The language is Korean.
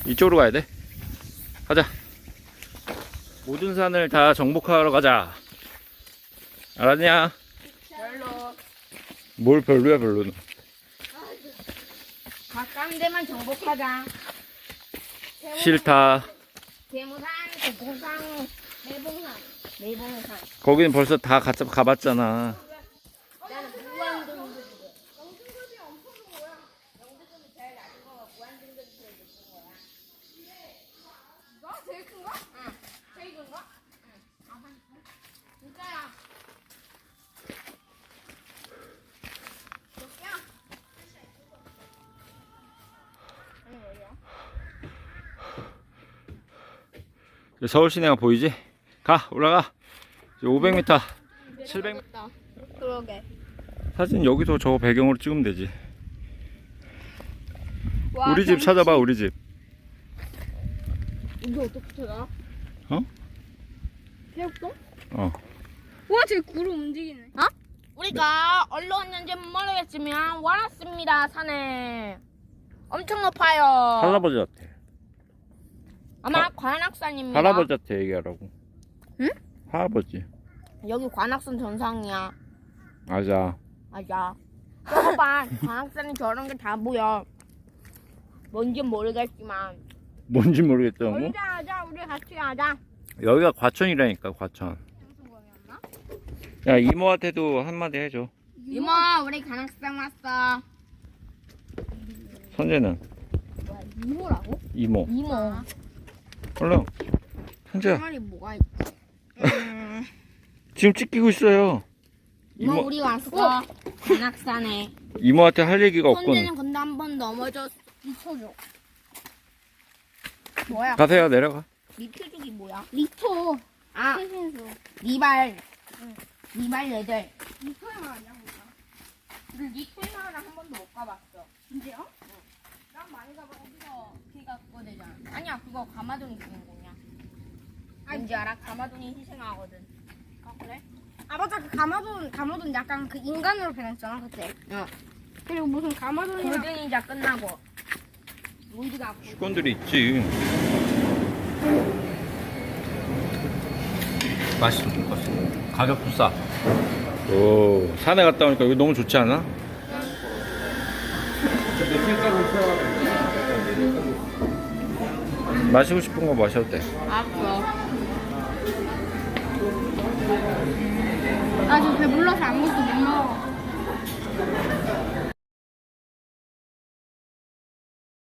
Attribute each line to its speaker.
Speaker 1: 이쪽으로 가야 돼. 가자. 모든 산을 다 정복하러 가자. 알았냐?
Speaker 2: 별로.
Speaker 1: 뭘 별로야 별로는.
Speaker 2: 가까운 데만 정복하자.
Speaker 1: 싫다.
Speaker 2: 대무산, 대봉산, 내봉산.
Speaker 1: 거기는 벌써 다 가봤잖아.
Speaker 2: 나는 무한등급이래. 너 제일 큰 거? 응. 제일 큰 거? 응. 진짜야.
Speaker 1: 서울 시내가 보이지? 가 올라가. 500m, 700m.
Speaker 2: 그러게.
Speaker 1: 사진 여기서 저 배경으로 찍으면 되지.
Speaker 2: 와,
Speaker 1: 우리 집 찾아봐. 우리 집.
Speaker 2: 이거 어떻게 찾아?
Speaker 1: 어?
Speaker 2: 새우똥?
Speaker 1: 어.
Speaker 2: 와, 쟤 구름 움직이네. 어? 우리가 어디로 왔는지 모르겠지만 왔습니다. 산에. 엄청 높아요.
Speaker 1: 할아버지 같아.
Speaker 2: 아마 관악산입니다.
Speaker 1: 할아버지한테 얘기하라고.
Speaker 2: 응?
Speaker 1: 할아버지.
Speaker 2: 여기 관악산 정상이야.
Speaker 1: 맞아.
Speaker 2: 맞아. 봐봐, 관악산에 저런 게 다 보여. 뭔지 모르겠지만.
Speaker 1: 뭔지 모르겠다. 뭐?
Speaker 2: 놀자 하자, 우리 같이 하자.
Speaker 1: 여기가 과천이라니까. 과천. 야 이모한테도 한마디 해줘.
Speaker 2: 이모, 우리 관악산 왔어.
Speaker 1: 선재는?
Speaker 2: 이모라고?
Speaker 1: 이모.
Speaker 2: 이모.
Speaker 1: 얼른. 선재야.
Speaker 2: 말이 뭐가 있지?
Speaker 1: 지금 찍히고 있어요.
Speaker 2: 이모, 우리 왔어. 관악산에.
Speaker 1: 이모한테 할 얘기가 없군.
Speaker 2: 선재는 근데 한 번 넘어져 미쳐줘. 뭐야?
Speaker 1: 가세요. 내려가.
Speaker 2: 미쳐주기 뭐야? 리토. 아, 최신수. 리발. 리발 얘들. 리토의 말 아니야, 뭐야? 우리 리토의 마을을 한 번도 못 가봤어. 진짜요? 응. 난 많이 가봐. 거기서 걔가 그거 되잖아. 아니야, 그거 가마돈이 주인공이야. 왠지 알아? 가마돈이 희생하거든. 아, 그래?
Speaker 3: 아 맞아 그 가마돈 약간 그 인간으로 변했잖아 그때.
Speaker 2: 응.
Speaker 3: 그리고 무슨 가마돈이랑
Speaker 2: 골든이자 끝나고. 로이드가 아프고.
Speaker 1: 직원들이 있지. 맛있어. 가격도 싸. 오, 산에 갔다 오니까 여기 너무 좋지 않아? 마시고 싶은 거 마셔도 돼.
Speaker 2: 알았어.
Speaker 3: 나 지금 배불러서 아무것도